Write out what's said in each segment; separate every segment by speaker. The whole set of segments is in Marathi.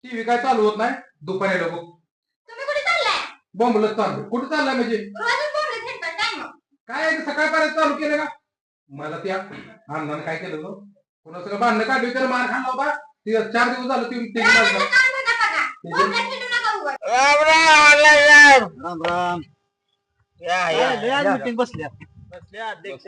Speaker 1: टीव्ही काय चालू होत नाही दुपारी लोक
Speaker 2: तुम्ही कुठे चाललाय?
Speaker 1: बोंबलत चालू कुठे चाललाय म्हणजे
Speaker 2: रोजच बोंबलत हिंडताय काय मग?
Speaker 1: काय सकाळपर्यंत चालू केलं का मला त्या अण्णाने काय केलं होतं पुन्हा सगळं भांडणं काढली त्याला मार खाल्ला होता ती 4 दिवस झालं ती
Speaker 2: रानातलं काम धंदा बघा. बोंबलत हिंडू नका उगाच.
Speaker 3: राम राम राम राम
Speaker 4: आज मीटिंग बसल्या
Speaker 3: अध्यक्ष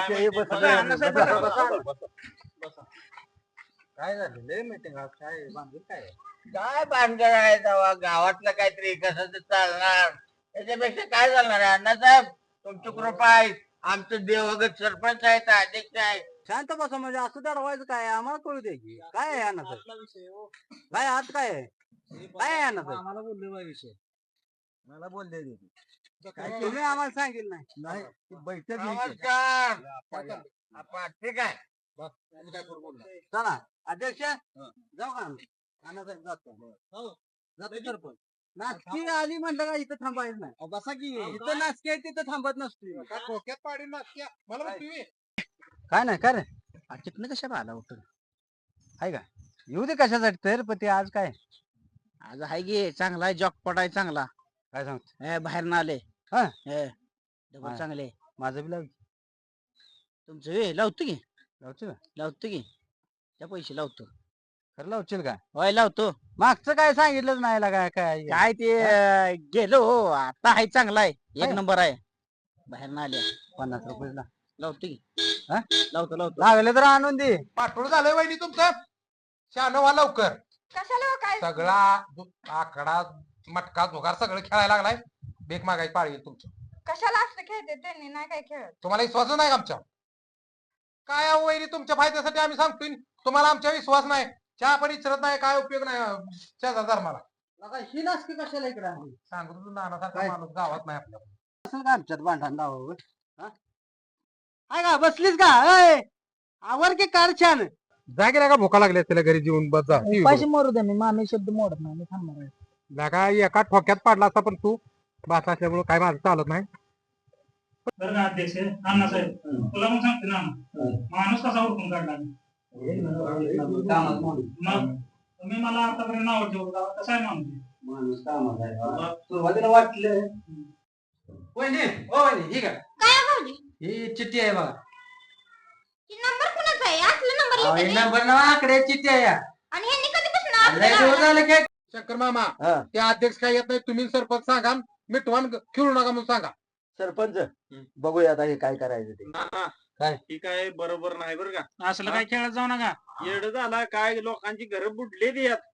Speaker 4: काय झालं लय मीटिंग आज काय बांधून काय
Speaker 3: काय भानगड आहे तेव्हा गावातलं काहीतरी कसं तर चालणार त्याच्यापेक्षा काय चालणार आहे अण्णासाहेब तुमची कृपा आहे आमचं देवगत सरपंच आहेत अध्यक्ष आहे
Speaker 4: शांत बसा म्हणजे असं दडवायचं काय आम्हाला कळू दे की काय आहे अण्णाचं काय आज काय आहे काय आहे अण्णाचं
Speaker 5: आम्हाला बोलले बा विषय मला बोलले
Speaker 4: काय तुम्ही आम्हाला सांगितलं नाही
Speaker 5: नाही ती बैठक घ्यायची.
Speaker 3: नमस्कार आपण ठीक आहे
Speaker 4: चला अध्यक्ष जाऊ का आम्ही? अण्णासाहेब जातो जातो सरपंच नाचकी आली म्हणलं का इथं थांबायचं नाही
Speaker 5: अहो, बसा की
Speaker 4: इथं नाचकी आहे तिथं थांबत नसतो
Speaker 1: डोक्यात पाडी नाचक्या मला म्हणतो तुम्ही
Speaker 4: काय नाही काय रे तिथनं कशाला आला उठून आहे का येऊ दे कशासाठी तर पण ते आज काय
Speaker 3: आज आहे गे चांगला आहे जॉकपॉट आहे चांगला
Speaker 4: काय सांगतो
Speaker 3: बाहेर ना आले
Speaker 4: हा?
Speaker 3: डबल चांगले
Speaker 4: माझं बी लाव
Speaker 3: तुमचं लावतो की
Speaker 4: लावतो का
Speaker 3: लावतो की त्या पैसे लावतो
Speaker 4: खरं लावशील का
Speaker 3: होय लावतो
Speaker 4: मागचं काय सांगितलंच नाही काय काय
Speaker 3: काय ते गेलो हो आता आहे चांगला आहे एक
Speaker 4: आहे?
Speaker 3: नंबर आहे बाहेर ना आले
Speaker 4: 50 रुपये
Speaker 3: लावतो की
Speaker 4: हा?
Speaker 3: लावतो लावतो
Speaker 4: लागले तर आणून दे
Speaker 1: पाठवून झालंय वहिनी तुमचं शहाणं व्हा लवकर
Speaker 2: कशाला हो काय?
Speaker 1: सगळा आकडा मटका धुगार सगळं खेळायला लागलाय बेक मागायची पाळी येईल तुमची
Speaker 2: कशाला असलं खेळते त्यांनी नाही काय खेळत.
Speaker 1: तुम्हाला विश्वास नाही का आमच्या काय अहो वहिनी तुमच्या फायद्यासाठी आम्ही सांगतोय तुम्हाला आमच्या विश्वास नाही चहा पण इचरत नाही काय उपयोग नाही शेजार धर्माला
Speaker 4: ही नाचकी कशाला इकडे आणली
Speaker 1: सांगतो तू नानासारखा
Speaker 4: काय?
Speaker 1: माणूस गावात नाही आपल्या
Speaker 4: असं का आमच्यात भांडण लावावं हाय का बसलीस का अय आवर की कार छान
Speaker 1: जागे का भोका लागली त्याला घरी जेवून बस जा
Speaker 5: पैसे मारू द्या मी मामी शब्द मोडत नाही मी थांबणार आहे.
Speaker 1: लागा एका ठोक्यात पाडला असता पण तू बात असल्यामुळे काय माझं चालत नाही
Speaker 6: बरं का अध्यक्ष अण्णासाहेब तुला मग सांगते ना माणूस कसा ओळखून काढला मग तुम्ही मला आतापर्यंत नाव ठेवता कसं आहे माणूस
Speaker 4: सुरुवातीला वाटलं वहिनी ओ वहिनी ठीक आहे
Speaker 2: काय हो भाऊजी?
Speaker 4: ही चिठ्ठी आहे बघा
Speaker 2: ही नंबर कुणाचा आहे? असला नंबर
Speaker 4: अहो,
Speaker 2: लिहिते
Speaker 4: ही
Speaker 2: ते.
Speaker 4: नंबर ना आकडे चिठ्ठी आहे या.
Speaker 2: आणि ह्यांनी कधीपासून
Speaker 4: लय
Speaker 2: आपलं
Speaker 4: दिवस
Speaker 2: लावलं?
Speaker 4: झाले काय
Speaker 1: शंकर मामा
Speaker 4: हा.
Speaker 1: ते अध्यक्ष काय येत नाही तुम्ही सरपंच सांगा मिठवान खेळू नका म्हणून सांगा
Speaker 4: सरपंच बघूया आता हे काय करायचं ते काय?
Speaker 5: ही काय बरोबर नाही बरं का
Speaker 6: असलं काय खेळत जाऊ नका
Speaker 5: येड झाला काय लोकांची घर बुडलेली आहेत